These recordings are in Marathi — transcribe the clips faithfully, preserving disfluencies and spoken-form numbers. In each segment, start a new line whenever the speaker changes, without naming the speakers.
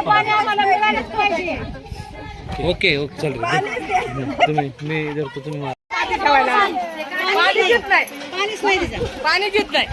ओके ओके चल तुम्ही मी जर तुम्ही
पाणी घेत नाही पाणी घेत नाही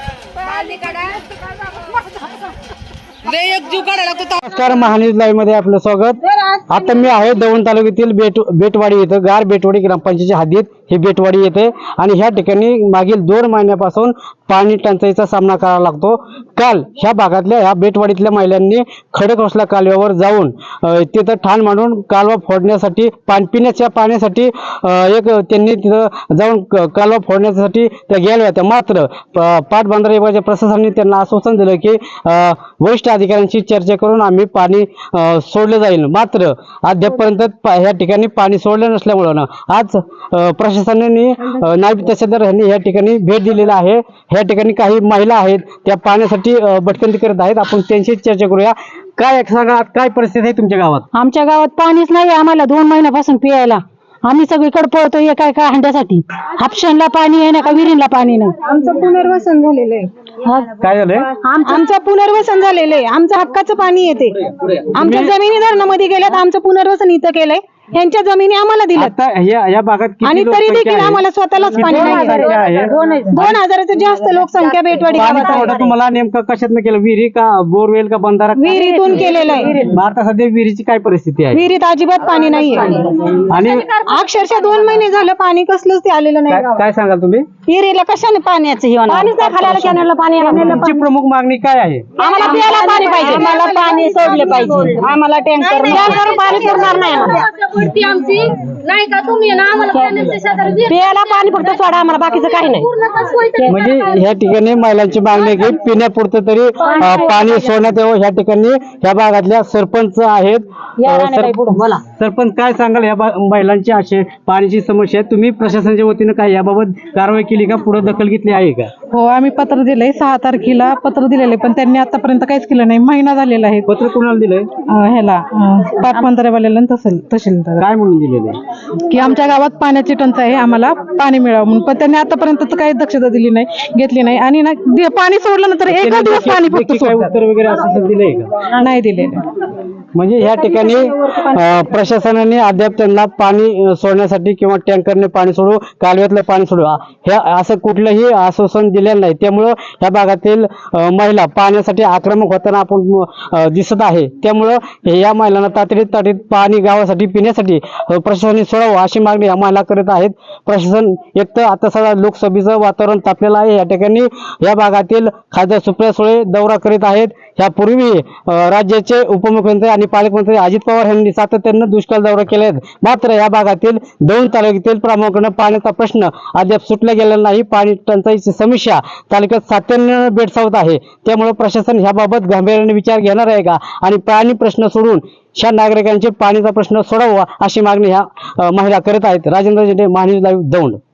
नमस्कार, महान्यूज लाईव्ह मध्ये आपलं स्वागत। आता मी आहे दौंड तालुक्यातील बेट बेटवाडी येथे गार बेटवाडी ग्रामपंचायतीच्या हद्दीत ही बेटवाडी येते आणि ह्या ठिकाणी मागील दोन महिन्यापासून पाणी टंचाईचा सामना करावा लागतो। काल ह्या भागातल्या ह्या बेटवाडीतल्या महिलांनी खडकवासला कालव्यावर जाऊन तिथं ठाण मांडून कालवा फोडण्यासाठी पाणी पिण्याच्या पाण्यासाठी एक त्यांनी तिथं जाऊन कालवा फोडण्यासाठी त्या गेल्या होत्या। मात्र पाटबंधारे विभागाच्या प्रशासनाने त्यांना आश्वासन दिलं की वरिष्ठ अधिकाऱ्यांशी चर्चा करून आम्ही पाणी सोडले जाईल। मात्र अद्यापपर्यंत ह्या ठिकाणी पाणी सोडलं नसल्यामुळं आज प्रशासनाने नायब तहसीलदार यांनी या ठिकाणी भेट दिलेला आहे। ह्या ठिकाणी काही महिला आहेत त्या पाण्यासाठी भटकंती करत आहेत, आपण त्यांची चर्चा करूया। काय सांगा, काय परिस्थिती आहे तुमच्या गावात?
आमच्या गावात पाणीच नाही आम्हाला दोन महिन्यापासून पियायला। आम्ही सगळीकडे पळतो एका एका हंड्यासाठी। हापशांना पाणी आहे ना का विहिरीला पाणी नाही।
आमचं पुनर्वसन झालेलं आहे।
काय झालंय?
आमचं पुनर्वसन झालेलं आहे, आमचं हक्काचं पाणी येते। आमच्या जमिनी धरणामध्ये गेल्यात, आमचं पुनर्वसन इथं केलंय, यांच्या जमिनी आम्हाला दिल्यात
या भागात
आणि तरी देखील आम्हाला स्वतःलाच पाणी नाही। दोन हजाराचं जास्त लोकसंख्या बेटवाडी गावात आहे।
तुम्हाला नेमकं कशातनं केलं, विहिरी का बोरवेल का बंधारा?
विहिरीतून केलेलं आहे।
आता सध्या विहिरीची काय परिस्थिती आहे?
विहिरीत अजिबात पाणी नाहीये
आणि
अक्षरशः दोन महिने झालं पाणी कसलंच ते आलेलं नाही।
काय सांगाल तुम्ही?
विहिरीला कशाने पाण्याचं हे होणार? पाणीच नाही, खाल्याला कॅनलला पाणी येणार।
तुमची प्रमुख मागणी काय आहे?
आम्हाला प्यायला पाणी पाहिजे, आम्हाला पाणी सोडले पाहिजे, आम्हाला टँकर टँकर पाणी पुरणार नाही आम्हाला। आमची नाही का तुम्ही ना आम्हाला प्यायला पाणी फक्त सोडा, आम्हाला बाकीचं काही नाही।
म्हणजे ह्या ठिकाणी महिलांची मागणी आहे की पिण्यापुरतं तरी पाणी सोडण्यात यावं। ह्या ठिकाणी ह्या भागातल्या सरपंच आहेत। सरपंच काय सांगाल, या महिलांची अशी पाण्याची समस्या आहे, तुम्ही प्रशासनाच्या वतीनं काय याबाबत कारवाई केली का, पुढे दखल घेतली आहे का?
हो, आम्ही पत्र दिलंय, सहा तारखेला पत्र दिलेले, पण त्यांनी आतापर्यंत काहीच केलं नाही। महिना झालेला आहे।
पत्र कोणाला दिलंय?
ह्याला पाटबंधारेवाल्याला तहसील तहसीलदार
काय म्हणून दिलेलं
की आमच्या गावात पाण्याची टंचाई आहे, आम्हाला पाणी मिळावं म्हणून, पण त्यांनी आतापर्यंत काही दक्षता दिली नाही, घेतली नाही। आणि ना पाणी सोडलं नंतर एक दिवस पाणी फक्त
उत्तर वगैरे असं दिलंय का?
नाही दिलेलं।
म्हणजे ह्या ठिकाणी प्रशासनाने अद्याप त्यांना पाणी सोडण्यासाठी किंवा टँकरने पाणी सोडू, कालव्यातलं पाणी सोडू हे असं कुठलंही आश्वासन दिलेलं नाही। त्यामुळं ह्या भागातील महिला पाण्यासाठी आक्रमक होताना आपण दिसत आहे। त्यामुळं या महिलांना तातडीत तातडीत पाणी गावासाठी पिण्यासाठी प्रशासनाने सोडावं अशी मागणी या महिला करत आहेत। प्रशासन एक तर आता सगळं लोकसभेचं वातावरण तापलेलं आहे। या ठिकाणी या भागातील खासदार सुप्रिया सुळे दौरा करीत आहेत। यापूर्वी राज्याचे उपमुख्यमंत्री आणि पालकमंत्री अजित पवार यांनी सातत्यानं दुष्काळ दौरा केले आहेत। मात्र या भागातील दौंड तालुक्यातील प्रामुख्याने पाण्याचा प्रश्न अद्याप सुटला गेलेला नाही। पाणी टंचाईची समस्या तालुक्यात सातत्याने भेडसावत आहे। त्यामुळे प्रशासन ह्याबाबत गांभीर्याने विचार घेणार आहे का आणि पाणी प्रश्न सोडून ह्या नागरिकांचे पाणीचा प्रश्न सोडवावा अशी मागणी ह्या महिला करत आहेत। राजेंद्र जेंडे, महान्यूज लाईव्ह, दौंड।